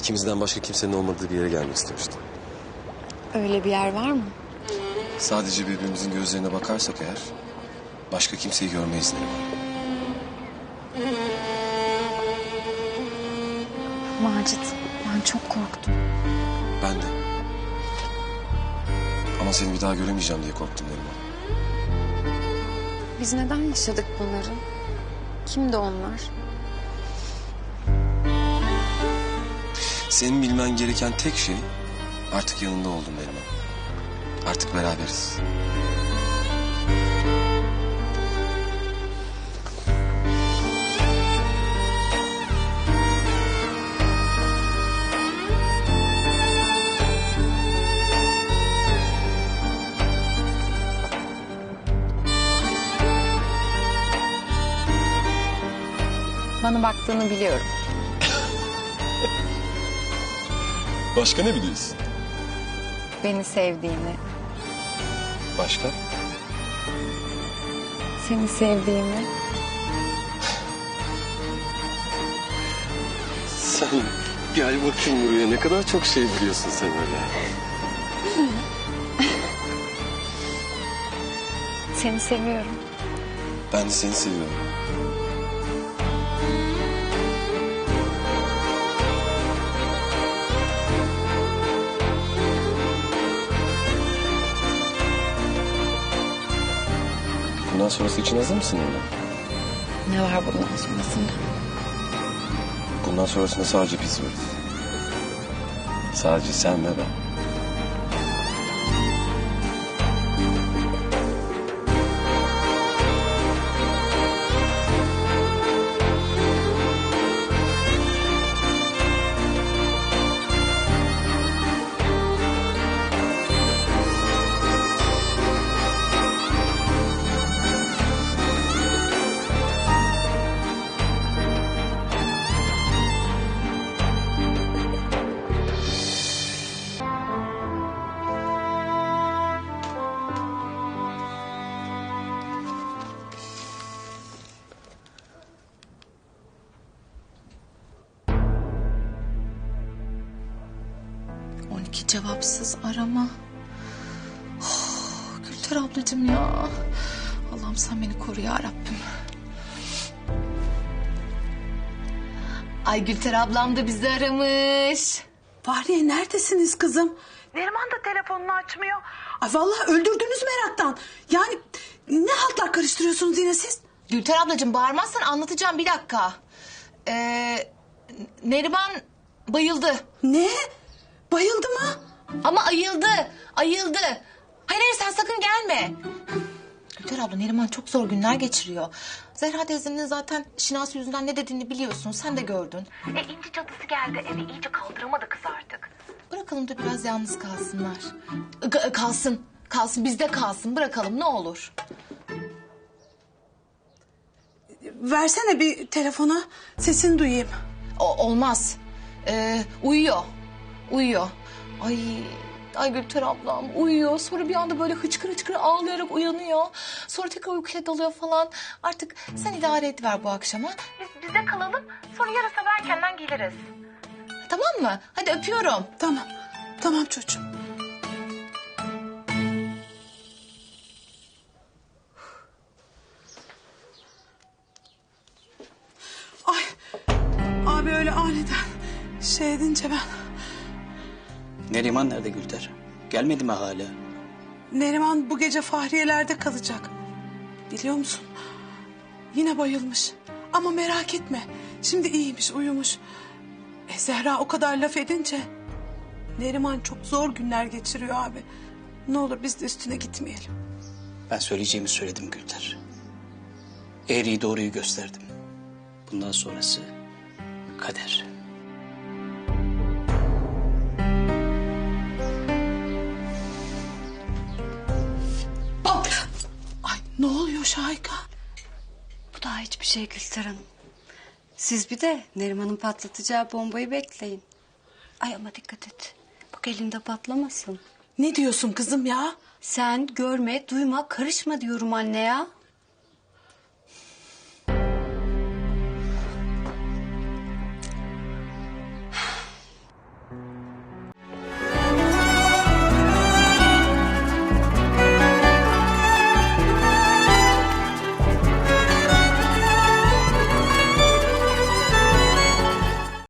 İkimizden başka kimsenin olmadığı bir yere gelmek istemiştim. Öyle bir yer var mı? Sadece birbirimizin gözlerine bakarsak eğer başka kimseyi görmeyiz Neriman. Macit, ben çok korktum. Ben de. Ama seni bir daha göremeyeceğim diye korktum Neriman. Biz neden yaşadık bunları? Kimdi onlar? Senin bilmen gereken tek şey artık yanında oldum Neriman. Artık beraberiz. Bana baktığını biliyorum. Başka ne biliyorsun? Beni sevdiğini, Başka? seni sevdiğimi. Sen gel bakayım buraya. Ne kadar çok şey biliyorsun sen öyle. Seni seviyorum. Ben de seni seviyorum. Bundan sonrası için hazır mısın Neriman? Ne var bundan sonrasında? Bundan sonrasında sadece biz varız. Sadece sen ve ben. Cevapsız arama. Gülter ablacığım ya. Allah'ım sen beni koru ya Rabbim. Ay Gülter ablam da bizi aramış. Fahriye neredesiniz kızım? Neriman da telefonunu açmıyor. Ay vallahi öldürdünüz meraktan. Yani ne haltlar karıştırıyorsunuz yine siz? Gülter ablacığım bağırmazsan anlatacağım bir dakika. Neriman bayıldı. Ne? Bayıldı mı? Ama ayıldı. Hayır hayır sen sakın gelme. Gülter abla Neriman çok zor günler geçiriyor. Zehra teyzenin zaten Şinasi yüzünden ne dediğini biliyorsun. Sen de gördün. İnci cadısı geldi eve iyice kaldıramadı kız artık. Bırakalım da biraz yalnız kalsınlar. Kalsın bizde kalsın. Bırakalım ne olur. Versene bir telefona sesini duyayım. Olmaz. Uyuyor. Ay Gülter ablam uyuyor. Sonra bir anda böyle hıçkır ağlayarak uyanıyor. Sonra tekrar uykuya dalıyor falan. Artık sen idare ediver bu akşama. Biz bize kalalım sonra yarın sabah erkenden geliriz. Tamam mı? Hadi öpüyorum. Tamam çocuğum. Ay abi öyle aniden şey edince ben... Neriman nerede Gülter? Gelmedi mi hala? Neriman bu gece Fahriye'lerde kalacak. Biliyor musun? Yine bayılmış. Ama merak etme. Şimdi iyiymiş, uyumuş. Zehra o kadar laf edince... Neriman çok zor günler geçiriyor abi. Ne olur biz de üstüne gitmeyelim. Ben söyleyeceğimi söyledim Gülter. Eğriyi doğruyu gösterdim. Bundan sonrası kader. Ay ne oluyor Şahika? Bu daha hiçbir şey Gülter Hanım. Siz bir de Neriman'ın patlatacağı bombayı bekleyin. Ay ama dikkat et. Bak elinde patlamasın. Ne diyorsun kızım ya? Sen görme, duyma, karışma diyorum anne ya.